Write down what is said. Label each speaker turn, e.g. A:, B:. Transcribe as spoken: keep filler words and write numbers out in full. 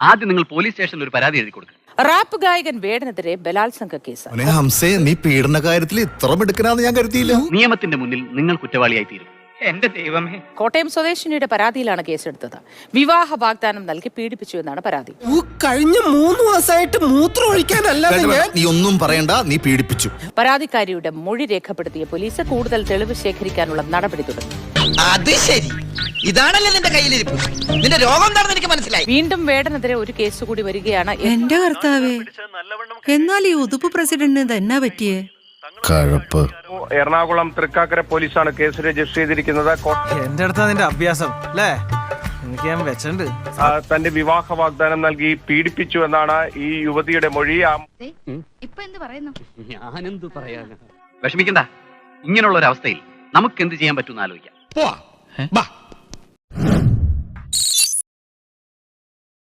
A: ആദ്യം നിങ്ങൾ പോലീസ് സ്റ്റേഷനിൽ ഒരു പരാതി എഴുതി കൊടുക്കുക.
B: റാപ്പ് ഗായകൻ വേടനെതിരെ ബലാത്സംഗ കേസ്.
C: ഹംസേ, നീ പീഡന കാര്യത്തിൽ ഇത്ര മിടുക്കനാന്ന് ഞാൻ കരുതിയില്ല.
A: നിയമത്തിന്റെ മുന്നിൽ നിങ്ങൾ കുറ്റവാളിയായി തീരും. എന്റെ ദൈവമേ.
B: കോട്ടയം സ്വദേശിനിയുടെ പരാതിയിലാണ് കേസെടുത്തത്. വിവാഹ വാഗ്ദാനം നൽകി പീഡിപ്പിച്ചു എന്നാണ് പരാതി.
D: കഴിഞ്ഞ മൂന്ന് മാസമായിട്ട് മൂത്രം ഒഴിക്കാനല്ല.
C: നീ ഒന്നും പറയണ്ട, നീ പീഡിപ്പിച്ചു.
B: പരാതിക്കാരിയുടെ മൊഴി രേഖപ്പെടുത്തിയ പോലീസ് കൂടുതൽ തെളിവ് ശേഖരിക്കാനുള്ള നടപടി തുടങ്ങി.
D: അത് ശരി, ഇതാണല്ലേ നിന്റെ കയ്യിലിരിപ്പ്. നിന്റെ രോഗം എന്താണെന്ന് എനിക്ക് മനസ്സിലായി.
B: വീണ്ടും വേടനെതിരെ ഒരു കേസ് കൂടി വരികയാണ്.
E: എന്റെ കർത്താവേ, എന്നാൽ ഈ ഉതുപ്പ് പ്രസിഡന്റിന് തന്നെ പറ്റിയേ?
C: കഴപ്പ്.
F: എറണാകുളം തൃക്കാക്കര പോലീസാണ് കേസ് രജിസ്റ്റർ ചെയ്തിരിക്കുന്നത്.
G: എന്റെ അടുത്താ നിന്റെ അഭ്യാസം അല്ലേ? എനിക്ക് ഞാൻ വെച്ചിട്ടുണ്ട്.
F: തന്റെ വിവാഹ വാഗ്ദാനം നൽകി പീഡിപ്പിച്ചു എന്നാണ് ഈ യുവതിയുടെ മൊഴി.
A: ഞാനെന്തു പറയാനാ? വിഷമിക്കണ്ട. ഇങ്ങനെയുള്ള ഒരു അവസ്ഥയിൽ നമുക്ക് എന്ത് ചെയ്യാൻ പറ്റുമെന്ന് ആലോചിക്കാം.